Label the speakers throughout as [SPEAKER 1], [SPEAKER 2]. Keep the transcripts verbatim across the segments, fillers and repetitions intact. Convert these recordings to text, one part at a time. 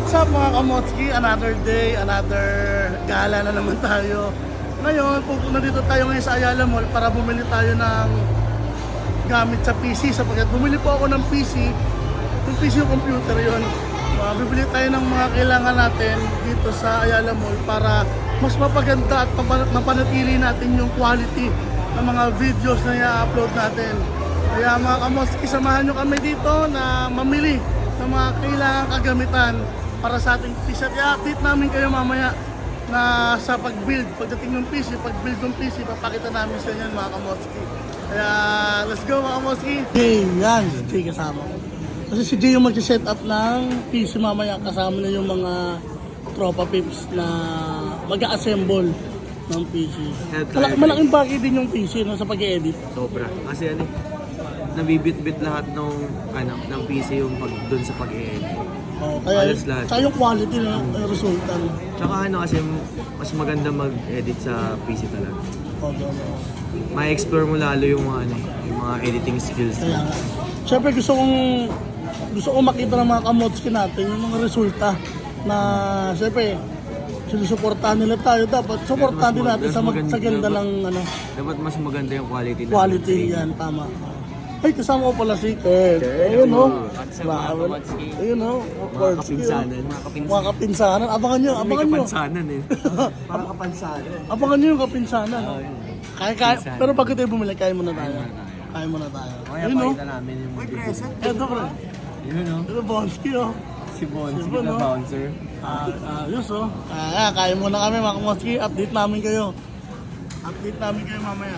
[SPEAKER 1] What's up mga kamotski? Another day, another gala na naman tayo. Ngayon, pupunta dito tayo ngayon sa Ayala Mall para bumili tayo ng gamit sa P C. Sapagkat bumili po ako ng P C, yung P C yung computer yun. Uh, bibili tayo ng mga kailangan natin dito sa Ayala Mall para mas mapaganda at mapanatili natin yung quality ng mga videos na i-upload natin. Kaya mga kamotski, samahan nyo kami dito na mamili ng mga kailangang kagamitan para sa ating P C. At i-update namin kayo mamaya na sa pag-build, pagdating ng P C, pag-build ng P C, papakita namin sa inyo mga kamotski. Kaya let's go mga kamotski. Jay, yan, si Jay kasama ko. Kasi si Jay yung mag-set up ng P C mamaya, kasama na yung mga tropa pips na mag-assemble ng P C. Malak malaking bagay din yung P C no, sa pag-edit.
[SPEAKER 2] Sobra. Kasi ano, nabibit-bit lahat ng ano, ng P C yung pag doon sa pag-edit.
[SPEAKER 1] Oh, kaya kaya yung quality na yung resulta. No?
[SPEAKER 2] Tsaka ano kasi mas maganda mag-edit sa P C talaga.
[SPEAKER 1] Oh, no, no.
[SPEAKER 2] Ma-explore mo lalo yung mga ano, yung mga editing skills.
[SPEAKER 1] Kaya nga. Siyempre gusto kong gusto kong makita ng mga kamotski natin yung mga resulta na siyempre sinusuportahan nila tayo, dapat suportahan din natin sa, mag, sa ganda
[SPEAKER 2] dapat,
[SPEAKER 1] ng ano.
[SPEAKER 2] Dapat mas maganda yung quality.
[SPEAKER 1] Quality yan, tama. Ay, kasama ko pala si Kurt. Ayun o. Ayun o.
[SPEAKER 2] Mga kapinsanan.
[SPEAKER 1] Mga kapinsanan. Abangan nyo, abangan nyo.
[SPEAKER 2] May kapansanan eh. Mga kapansanan.
[SPEAKER 1] Abangan nyo yung kapinsanan. Kaya, kaya, pero pag tayo bumili, kaya muna tayo. Kaya muna tayo.
[SPEAKER 2] Ayun o. namin yung mga present.
[SPEAKER 1] Eto bro.
[SPEAKER 2] Yun o.
[SPEAKER 1] Ito Bonsky o.
[SPEAKER 2] Si Bonsky na bouncer.
[SPEAKER 1] Ayos o. Kaya, kaya muna kami mga Bonsky. Update namin kayo. Update namin kayo mamaya.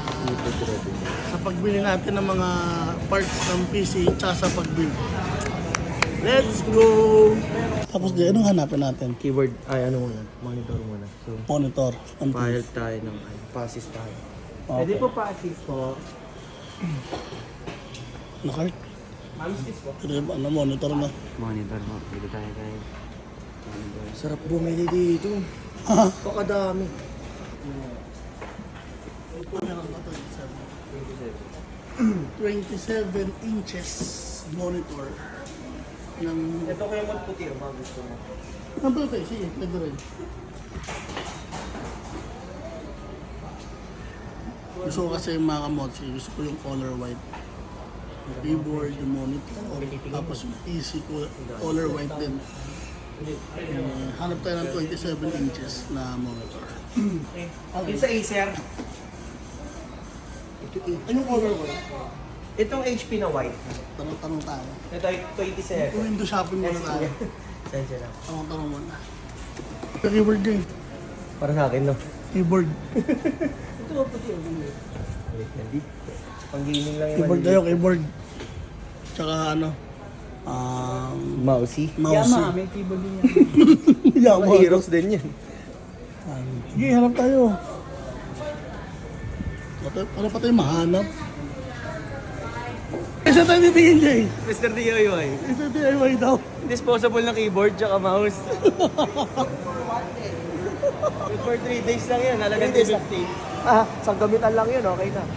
[SPEAKER 1] Sa pagbili natin ng mga parts ng P C tsaka sa pag-build. Let's go! Tapos di, anong hanapin natin?
[SPEAKER 2] Keyboard, ay ano muna, monitor muna. So,
[SPEAKER 1] Monitor.
[SPEAKER 2] file tayo ng ano, passes tayo.
[SPEAKER 1] Okay.
[SPEAKER 2] Pwede po passes po.
[SPEAKER 1] Nakart?
[SPEAKER 2] Passes po.
[SPEAKER 1] Ito yung ano, monitor na.
[SPEAKER 2] Monitor mo, dito tayo tayo. Sarap bumili dito. Pakadami.
[SPEAKER 1] twenty-seven inches monitor ng...
[SPEAKER 2] Ito ko yung magputi, mga gusto mo.
[SPEAKER 1] Ang puti, sige, pwede rin. Gusto ko kasi yung mga mods, gusto ko yung color white. Yung keyboard, yung monitor, tapos yung P C ko, color white din. Uh, hanap tayo ng twenty-seven inches na monitor.
[SPEAKER 2] Okay. Sa Acer.
[SPEAKER 1] Anong color white?
[SPEAKER 2] Itong H P na white.
[SPEAKER 1] Tanong-tanong tayo.
[SPEAKER 2] Ito ay twenty-seven.
[SPEAKER 1] Kung window shopping muna tayo.
[SPEAKER 2] Sensya lang.
[SPEAKER 1] Tanong-tanong muna. Keyboard din.
[SPEAKER 2] Para sa akin, no?
[SPEAKER 1] Keyboard.
[SPEAKER 2] Ito ba puti yung gulo? Hindi. Pang gaming lang yung
[SPEAKER 1] Keyboard tayo, keyboard. Tsaka ano, um,
[SPEAKER 2] mousey.
[SPEAKER 1] mousey.
[SPEAKER 2] Yama, may keyboard din yan.
[SPEAKER 1] Yama.
[SPEAKER 2] Mga heroes din yan.
[SPEAKER 1] Um, sige, hanap tayo. Para pa tayo mahanap. Isa tayo titingin, Jay.
[SPEAKER 2] Mister D I Y.
[SPEAKER 1] Isa D I Y daw.
[SPEAKER 2] Disposable na keyboard tsaka mouse. For three days lang yan, halagang two fifty. Ah, isang gamitan lang yun, okay na.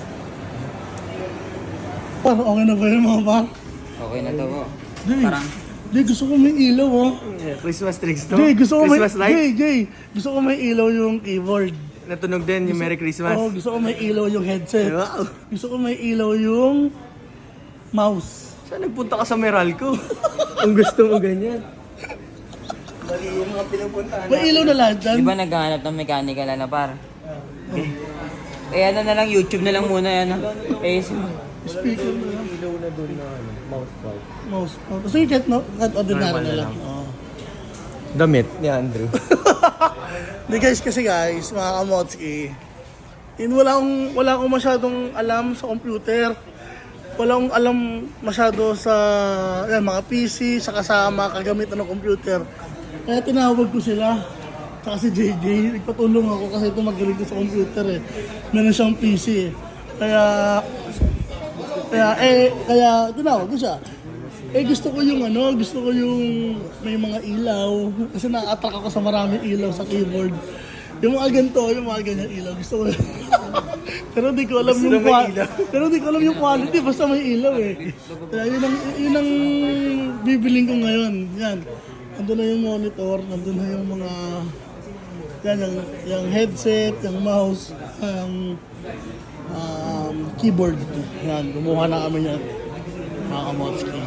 [SPEAKER 1] Par, okay na ba yun mga par?
[SPEAKER 3] Okay na to po.
[SPEAKER 1] Jay,
[SPEAKER 3] Parang
[SPEAKER 1] Jay, gusto ko may ilaw oh.
[SPEAKER 2] Christmas tricks to.
[SPEAKER 1] Jay, gusto ko may,
[SPEAKER 2] Christmas light.
[SPEAKER 1] Jay, Jay, gusto ko may ilaw yung keyboard.
[SPEAKER 2] Natunog din yung Merry Christmas.
[SPEAKER 1] Oo, gusto ko may ilaw yung headset.
[SPEAKER 2] Wow.
[SPEAKER 1] Gusto ko may ilaw yung mouse.
[SPEAKER 2] Saan nagpunta ka sa Meralco? Ang gusto mo ganyan. Mali yung mga pinupuntahan.
[SPEAKER 1] May ilaw na lahat dyan.
[SPEAKER 3] di ba naghahanap ng mechanical na par? Eh ano na lang, YouTube na lang muna yan. Eh,
[SPEAKER 1] Speaker na lang.
[SPEAKER 2] Ilaw na doon na ano, mouse pad.
[SPEAKER 1] Mouse. Oh, so you get no? Cut ordinary
[SPEAKER 2] Normal
[SPEAKER 1] na
[SPEAKER 2] na
[SPEAKER 1] lang.
[SPEAKER 2] lang.
[SPEAKER 1] Oo.
[SPEAKER 2] Damit ni Andrew.
[SPEAKER 1] Hindi guys, kasi guys, mga kamotski, yun, wala akong, wala akong masyadong alam sa computer. Wala akong alam masyado sa yan, mga P C, sa kasama, kagamitan ng computer. Kaya tinawag ko sila. Saka si J J, nagpatulong ako kasi ito magaling ko sa computer eh. Meron siyang P C eh. Kaya, kaya, eh, kaya tinawag ko siya. Eh gusto ko yung ano, gusto ko yung may mga ilaw. Kasi na-attract ako sa maraming ilaw sa keyboard. Yung mga ganito, yung mga ganyan ilaw, gusto ko. Pero di ko alam
[SPEAKER 2] Gusto
[SPEAKER 1] yung
[SPEAKER 2] na may
[SPEAKER 1] qua-
[SPEAKER 2] ilaw.
[SPEAKER 1] Pero di ko alam yung quality, basta may ilaw eh. Kaya yun ang, yun ang bibiling ko ngayon. Yan. nandun na yung monitor, nandun na yung mga, yan, yung, yung headset, yung mouse, yung um, keyboard. Yan, gumawa na kami yan, mga kamotski.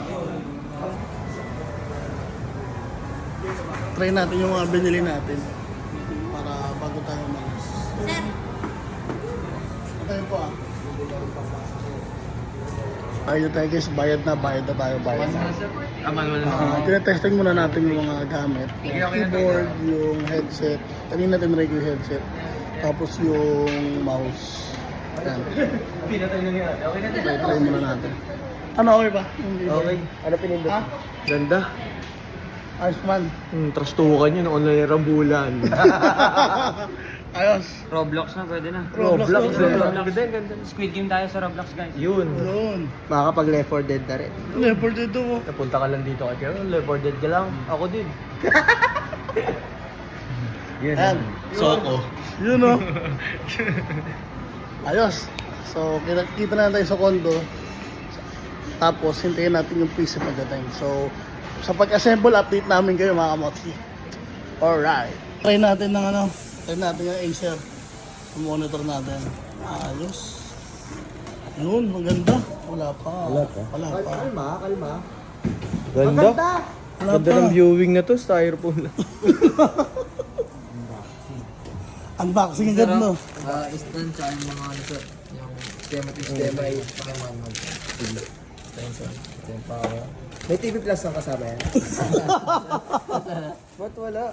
[SPEAKER 1] Try natin yung mga binili natin para bago tayo umalis.
[SPEAKER 4] Sir,
[SPEAKER 1] Tayo po ah. Ayun tayo guys, bayad na, bayad na tayo, bayad na.
[SPEAKER 2] Aman mo
[SPEAKER 1] Uh, tinetesting muna natin yung mga gamit. Yung keyboard, yung headset. Kanina tinry ko yung headset. Tapos yung mouse. Yan.
[SPEAKER 2] Pinatay na nga. Okay na
[SPEAKER 1] Try, try muna natin. Ano, okay ba? Hindi ba?
[SPEAKER 2] Okay. Ano pinindot?
[SPEAKER 1] Ha?
[SPEAKER 2] Ganda.
[SPEAKER 1] Ayos man.
[SPEAKER 2] Hmm, trastukan yun. Online rambulan.
[SPEAKER 1] Ayos.
[SPEAKER 3] Roblox na, pwede na.
[SPEAKER 1] Roblox,
[SPEAKER 2] Roblox.
[SPEAKER 1] Roblox.
[SPEAKER 2] Ganda, ganda.
[SPEAKER 3] Squid game tayo sa Roblox, guys.
[SPEAKER 2] Yun.
[SPEAKER 1] Yun.
[SPEAKER 2] Makakapag Left four Dead na rin.
[SPEAKER 1] Leopard dito mo.
[SPEAKER 2] Napunta ka lang dito kay Kero. Left four Dead ka lang. Ako din. Yan.
[SPEAKER 1] Yan.
[SPEAKER 2] Soko.
[SPEAKER 1] Yun o. Ayos. So, kita, kita na tayo sa condo. Tapos, hintayin natin yung P C pagdating. So, sa pag-assemble, update namin kayo mga kamotsi. Alright. Try natin ng ano, try natin yung Acer. Yung monitor natin. Ayos. Yun, maganda. Wala pa.
[SPEAKER 2] Wala pa?
[SPEAKER 1] Wala pa.
[SPEAKER 2] Kalma, kalma. Ganda.
[SPEAKER 1] Wala
[SPEAKER 2] Ganda
[SPEAKER 1] pa.
[SPEAKER 2] ng viewing na to. Styrofoam lang.
[SPEAKER 1] Unboxing agad no.
[SPEAKER 5] Ah, instant sa yung mga ano sir, yung sistema to sistema ay pakimanual. Extension, ito yung power.
[SPEAKER 2] May T V Plus ang kasama yan. Ba't wala?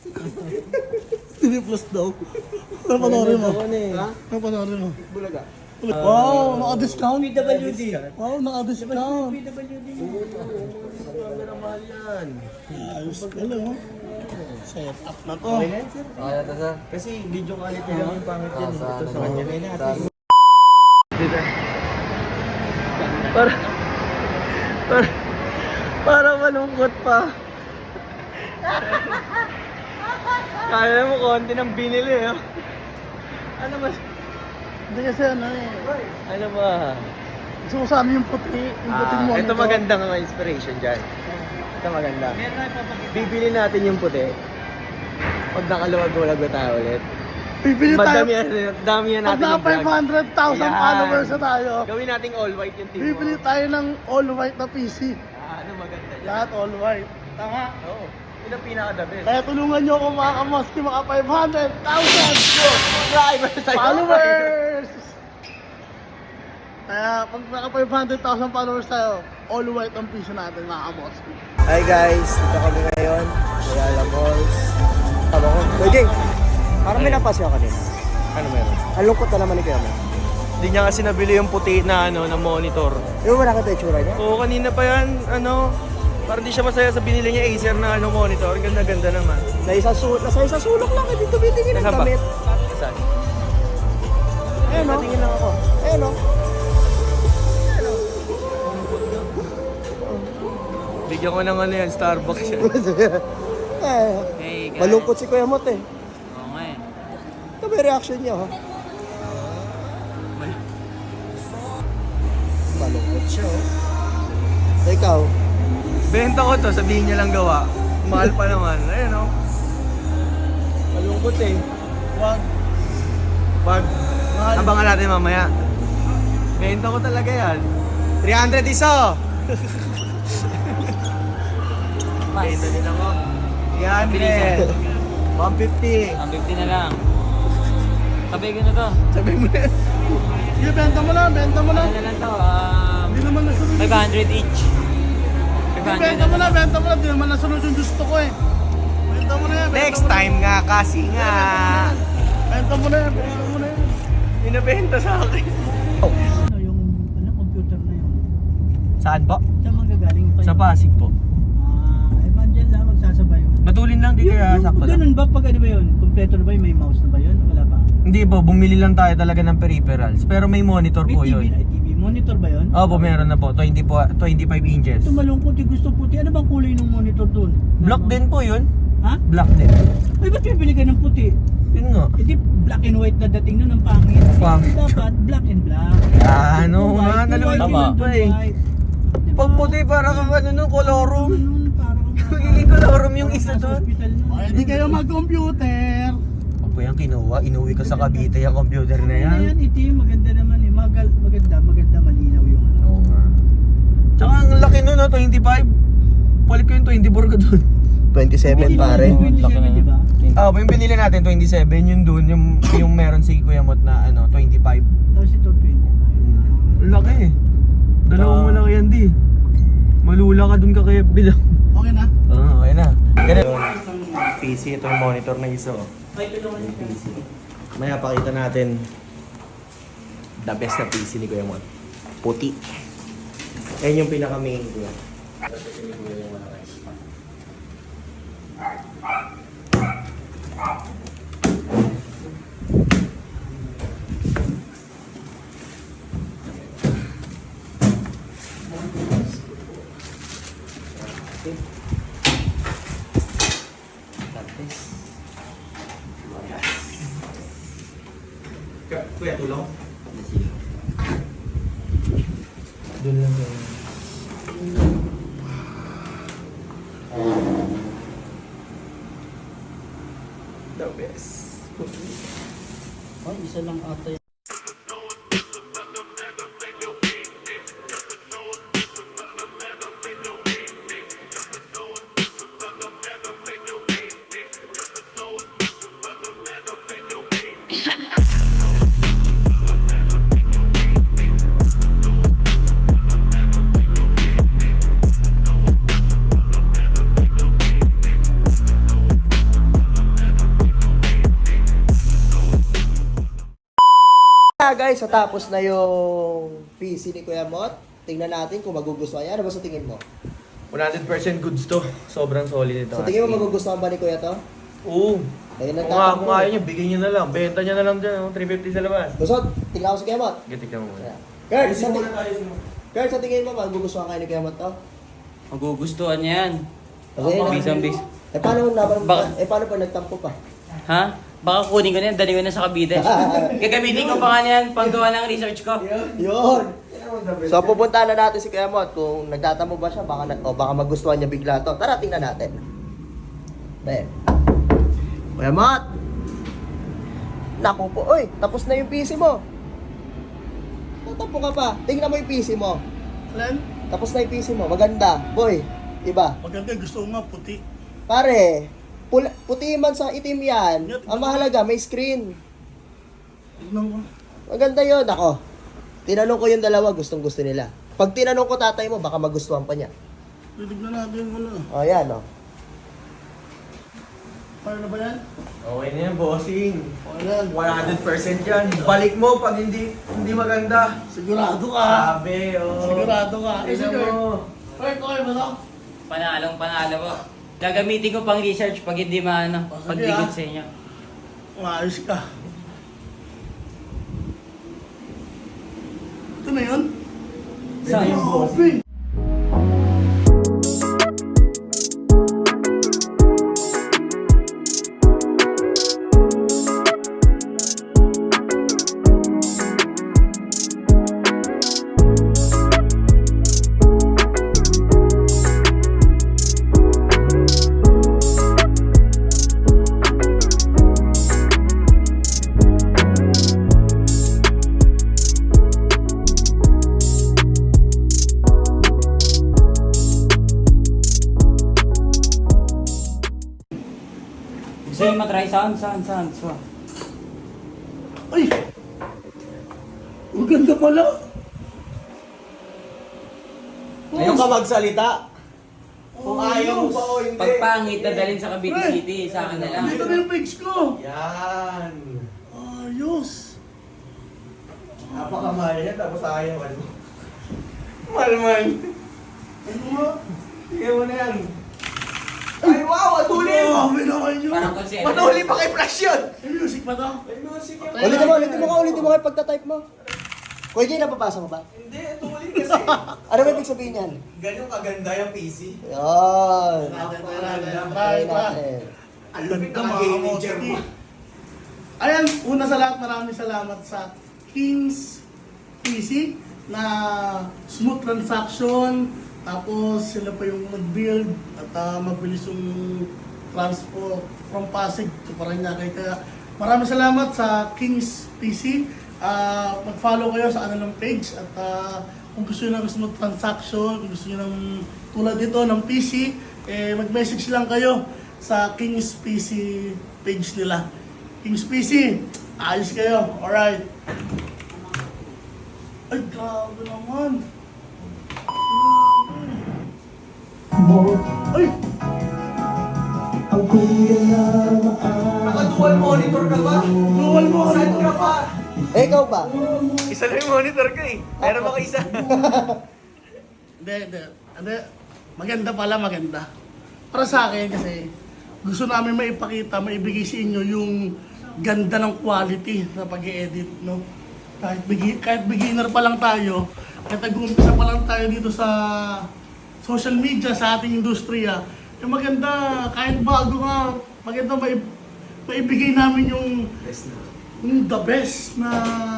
[SPEAKER 1] T V Plus daw. Napanorin mo.
[SPEAKER 2] Ano eh?
[SPEAKER 1] Napanorin mo.
[SPEAKER 2] Bulaga.
[SPEAKER 1] Wow, naka-discount.
[SPEAKER 5] P W D.
[SPEAKER 1] Wow, naka-discount.
[SPEAKER 5] P W D.
[SPEAKER 2] Camera mahal yan.
[SPEAKER 1] Ayos ka lang, oh. Set up na to.
[SPEAKER 5] Kaya to sir.
[SPEAKER 2] Kasi video quality lang yung pangit yan.
[SPEAKER 5] Sa
[SPEAKER 2] Ito
[SPEAKER 5] ano
[SPEAKER 2] sa
[SPEAKER 5] mo?
[SPEAKER 2] kanya. May
[SPEAKER 5] Sa
[SPEAKER 2] natin. Dito. Para, para, para malungkot pa. Kaya mo konti ng binili eh. Ano mas,
[SPEAKER 1] Hindi kasi ano eh.
[SPEAKER 2] ano ba?
[SPEAKER 1] Gusto ko sana yung puti. Yung puti mo.
[SPEAKER 2] Ah, ito maganda nga inspiration dyan. Ito maganda. Bibili natin yung puti. Pag nakaluwag-ulag na tayo ulit.
[SPEAKER 1] Bibili tayo.
[SPEAKER 2] Madami yan, dami yan
[SPEAKER 1] Pag
[SPEAKER 2] natin
[SPEAKER 1] naka
[SPEAKER 2] yung vlog.
[SPEAKER 1] five hundred thousand
[SPEAKER 2] Ayan.
[SPEAKER 1] followers na tayo,
[SPEAKER 2] Gawin nating all white yung team.
[SPEAKER 1] bibili tayo ng all white na P C.
[SPEAKER 2] Ah, ano maganda dyan?
[SPEAKER 1] Lahat all white. Tama.
[SPEAKER 2] Oo. Yun ang pinaka-the best.
[SPEAKER 1] Kaya tulungan nyo ako mga kamoski, mga five hundred thousand
[SPEAKER 2] Subscribers tayo.
[SPEAKER 1] followers! Kaya pag naka five hundred thousand followers tayo, all white ang P C natin mga kamoski.
[SPEAKER 2] Hi guys, dito kami ngayon. Ayala Malls. Tama ko. Kuya Jing, parang may napasya ka din. Ano meron? Ang lungkot na naman ni Kuya Mo. Hindi niya kasi nabili yung puti na ano na monitor. Yung wala ka tayo tsura niya? Oo, kanina pa yan, ano, parang di siya masaya sa binili niya Acer na ano monitor. Ganda-ganda naman. Sa isang sulok, nasa isang sulok lang, hindi tumitingin ng damit. Saan? Ayun o. Tingin lang ako. Ayun o. Bigyan ko ng ano yan, Starbucks yan. eh,
[SPEAKER 3] Hey, guys.
[SPEAKER 2] malungkot si Kuya Mot eh.
[SPEAKER 3] Oo nga eh.
[SPEAKER 2] Ito may reaction niya ha. Malungkot siya oh. So, ikaw? Benta ko to, sabihin niya lang gawa. Mahal pa naman. Ayun oh. Malungkot eh.
[SPEAKER 1] Wag.
[SPEAKER 2] Pag
[SPEAKER 1] Mahal.
[SPEAKER 2] abangan natin mamaya. Benta ko talaga yan. three hundred isa! Benta din ako. three hundred. one fifty.
[SPEAKER 3] Ang fifty na lang. Sabay ko na to.
[SPEAKER 2] Sabi mo na.
[SPEAKER 1] Sige, benta mo na, benta mo na.
[SPEAKER 3] Ano na lang to? Um,
[SPEAKER 1] Hindi naman nasunod.
[SPEAKER 3] five hundred each. five hundred
[SPEAKER 1] Benta mo na, benta mo na. Hindi naman nasunod yung gusto ko eh. Benta mo na yan. benta
[SPEAKER 2] Next
[SPEAKER 1] mo na.
[SPEAKER 2] time nga kasi nga.
[SPEAKER 1] Benta mo na yan, benta mo na yan.
[SPEAKER 2] Inabenta sa akin.
[SPEAKER 5] Ano yung ano computer na yun?
[SPEAKER 2] Saan po?
[SPEAKER 5] Saan manggagaling pa
[SPEAKER 2] Sa
[SPEAKER 5] yun?
[SPEAKER 2] Pasig po.
[SPEAKER 5] Ah, eh mandyan lang magsasabay yun.
[SPEAKER 2] Matulin lang, di
[SPEAKER 5] Yung,
[SPEAKER 2] kaya
[SPEAKER 5] yung
[SPEAKER 2] sakto lang.
[SPEAKER 5] ganun ba pag ano ba yun? Kompleto na ba yun? May mouse na ba yun? Wala ba?
[SPEAKER 2] Hindi po, bumili lang tayo talaga ng peripherals. Pero may monitor
[SPEAKER 5] May
[SPEAKER 2] po
[SPEAKER 5] T V
[SPEAKER 2] yun.
[SPEAKER 5] na T V. Monitor ba yun?
[SPEAKER 2] Opo, meron na po. twenty po, twenty-five inches.
[SPEAKER 5] Ito malungkot yung gusto puti. Ano bang kulay ng monitor dun?
[SPEAKER 2] Black din po yun.
[SPEAKER 5] Ha?
[SPEAKER 2] Black din.
[SPEAKER 5] Ay, ba't bibili ka ng puti?
[SPEAKER 2] Yun nga.
[SPEAKER 5] Hindi black and white na dating nun ang pangit.
[SPEAKER 2] Pangit.
[SPEAKER 5] Dapat black and black.
[SPEAKER 2] Ah, ano
[SPEAKER 5] Kung
[SPEAKER 2] nga,
[SPEAKER 5] white, kung
[SPEAKER 2] nalulungkot
[SPEAKER 5] white,
[SPEAKER 3] Tama.
[SPEAKER 5] yun,
[SPEAKER 2] pa eh.
[SPEAKER 5] white. Diba?
[SPEAKER 2] Pag puti, para kang ano no, colorum.
[SPEAKER 5] Ganun, parang
[SPEAKER 2] Magiging colorum yung isa doon.
[SPEAKER 1] Pwede kayo mag-computer.
[SPEAKER 2] Ako yung kinuha, inuwi ko sa Cavite yung computer na yan.
[SPEAKER 4] Ayan, itim, maganda naman eh. Magal, maganda, maganda, malinaw yung ano.
[SPEAKER 2] Oo nga. Tsaka ang laki nun, no, twenty-five. Palit ko yung twenty-four ko doon. twenty-seven pare.
[SPEAKER 4] twenty-seven, di ba?
[SPEAKER 2] Ah, yung binili natin twenty-seven, yun doon, yung, yung meron si Kuya Mot na ano, twenty-five.
[SPEAKER 4] Tapos ito, twenty-five.
[SPEAKER 2] Laki eh. Dalawang malaki yan di. Malula ka dun ka kaya bilang.
[SPEAKER 1] Okay na?
[SPEAKER 2] Oo, oh, okay na. Ganun. P C, ito yung monitor na isa oh. Yung P C. Maya pakita natin the best na P C ni Kuya Mot. Puti. Yan yung pinaka main ko. Kuya, tulong? Doon lang yun. The best.
[SPEAKER 4] Oh, isa lang ata yun.
[SPEAKER 2] Ah, guys, so tapos na yung P C ni Kuya Mot. Tingnan natin kung magugustuhan niya. Ano ba sa tingin mo? one hundred percent goods to. Sobrang solid ito. Sa tingin mo magugustuhan ba ni Kuya to?
[SPEAKER 6] Oo.
[SPEAKER 2] Ayun ang
[SPEAKER 6] Kung nga,
[SPEAKER 2] tatanong
[SPEAKER 6] kung
[SPEAKER 2] ko.
[SPEAKER 6] ayaw niya, bigyan niya na lang. Benta niya na lang dyan, oh, three fifty sa labas.
[SPEAKER 2] Gusto, tingnan ko si Kuya Mot.
[SPEAKER 6] Gatik ka mo muna.
[SPEAKER 2] Kurt,
[SPEAKER 6] Ayusin
[SPEAKER 2] sa,
[SPEAKER 6] mo
[SPEAKER 2] ti-
[SPEAKER 6] muna tayo, ayusin mo.
[SPEAKER 2] Kurt, sa tingin mo magugustuhan kayo ni Kuya Mot to?
[SPEAKER 3] Magugustuhan niya yan.
[SPEAKER 2] Kasi,
[SPEAKER 3] Bisang bis.
[SPEAKER 2] eh paano naman,
[SPEAKER 3] Ba-
[SPEAKER 2] eh paano pa nagtampo pa?
[SPEAKER 3] Ha? Baka kunin ko na yan, dali ko na sa Cavite. Gagamitin ko pa nga yan, panggawa ng research ko.
[SPEAKER 2] Yun! So pupunta na natin si Kuya Mot kung nagtatamo ba siya baka na, o baka magustuhan niya bigla to. Tara tingnan natin. Be. Kuya Mot. Naku po, oy, tapos na yung P C mo. Tatapo ka pa. Tingnan mo yung P C mo.
[SPEAKER 1] Alan?
[SPEAKER 2] Tapos na yung P C mo. Maganda. Boy, iba.
[SPEAKER 1] Maganda, gusto ko nga puti.
[SPEAKER 2] Pare, pula, puti man sa itim yan. Ang mahalaga, may screen.
[SPEAKER 1] Tignan ko.
[SPEAKER 2] Maganda yun. Ako, tinanong ko yung dalawa, gustong gusto nila. Pag tinanong ko tatay mo, baka magustuhan pa niya.
[SPEAKER 1] Titignan natin muna.
[SPEAKER 2] O, yan, o.
[SPEAKER 1] Paano na ba yan?
[SPEAKER 6] Okay na yan, bossing.
[SPEAKER 1] Okay na yan.
[SPEAKER 6] one hundred percent yan. Balik mo pag hindi hindi maganda.
[SPEAKER 1] Sigurado ka.
[SPEAKER 6] Sabi, oh.
[SPEAKER 1] Sigurado ka. Eh,
[SPEAKER 6] Tignan
[SPEAKER 1] sige.
[SPEAKER 6] mo.
[SPEAKER 1] Kurt, okay ba to?
[SPEAKER 3] Panalong panalo po. Gagamitin ko pang research pag hindi maano,
[SPEAKER 1] Oh, sige,
[SPEAKER 3] pag di
[SPEAKER 1] ah.
[SPEAKER 3] good sa inyo.
[SPEAKER 1] Maayos ka. Ito na yun?
[SPEAKER 3] Saan?
[SPEAKER 1] Ito yung open.
[SPEAKER 3] Gusto nyo matry? Saan? Saan? Saan? Saan?
[SPEAKER 1] Ay! Ang ganda pala.
[SPEAKER 2] Ngayon ka magsalita. Kung ayaw mo pa o hindi.
[SPEAKER 3] Pagpangit na dalhin sa Cavite City, sa akin na lang.
[SPEAKER 1] Dito na yung page ko.
[SPEAKER 6] Yan.
[SPEAKER 1] Ayos.
[SPEAKER 6] Napakamahal yan, tapos ayaw ano. Malman.
[SPEAKER 1] Ano nga?
[SPEAKER 6] Tingnan mo na yan. Ay, wow! Atulin!
[SPEAKER 1] Grabe naman yun.
[SPEAKER 3] Parang konsepto.
[SPEAKER 6] Matuli pa kay Flash yun!
[SPEAKER 1] May music pa to?
[SPEAKER 6] May music yan.
[SPEAKER 2] Ulitin mo, ulitin mo ka, ulitin mo ka yung pagtatype mo. Kuya Jay, napapasa mo ba?
[SPEAKER 6] Hindi, atulin kasi.
[SPEAKER 2] Ano ba ibig sabihin yan?
[SPEAKER 6] Ganyan kaganda yung P C.
[SPEAKER 2] Yun.
[SPEAKER 1] Natin, try,
[SPEAKER 2] Try
[SPEAKER 1] try, try.
[SPEAKER 2] natin.
[SPEAKER 6] Ang
[SPEAKER 1] Ganda
[SPEAKER 6] lupit ng
[SPEAKER 1] mga
[SPEAKER 6] gaming
[SPEAKER 1] kamosti.
[SPEAKER 6] chair mo.
[SPEAKER 1] Ayan, una sa lahat, maraming salamat sa King's P C na smooth transaction, Tapos sila pa yung mag-build at uh, mabilis yung transport from Pasig to Paranaque. Kaya maraming salamat sa Kings P C. Uh, mag-follow kayo sa kanilang page at uh, kung gusto nyo ng smooth transaction, kung gusto nyo ng tulad dito ng P C, eh, mag-message lang kayo sa Kings P C page nila. Kings P C, ayos kayo. Alright. Ay, grabe naman. Ay!
[SPEAKER 6] Naka-dual monitor ka ba?
[SPEAKER 1] Dual monitor.
[SPEAKER 6] Saan ka pa?
[SPEAKER 2] Eh, ikaw ba? Isa lang yung monitor ko eh. Meron ako isa.
[SPEAKER 1] Hindi, hindi. Hindi. Maganda pala, maganda. Para sa akin kasi gusto namin maipakita, maibigay sa inyo yung ganda ng quality sa pag-edit, no? Kahit, begi- kahit beginner pa lang tayo, kahit nag-uumpisa pa lang tayo dito sa social media, sa ating industriya, yung maganda, kahit bago nga, maganda maib- maibigay namin yung, yung the best na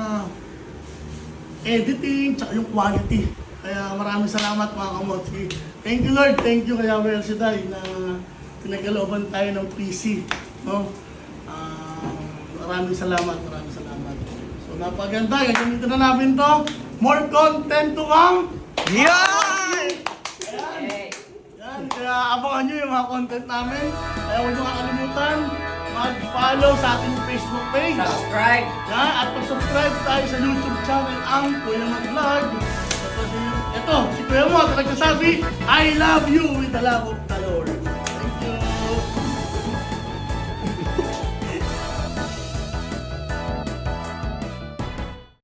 [SPEAKER 1] editing, tsaka yung quality. Kaya maraming salamat mga kamotsi. Thank you Lord, thank you kaya Well Siday na pinagkalooban tayo ng P C. No? Ah, maraming salamat, maraming salamat. So napaganda, gagamitin na namin to. More content to come.
[SPEAKER 2] Yan!
[SPEAKER 1] Yan, kaya abangan nyo yung mga content namin. Kaya huwag nyo kakalimutan, mag-follow sa ating Facebook page.
[SPEAKER 3] Subscribe!
[SPEAKER 1] Yan, at mag-subscribe tayo sa YouTube channel ang Kuya Mag Vlog. Ito, si Kuya Mo, at nagsasabi, I love you with the love of the Lord.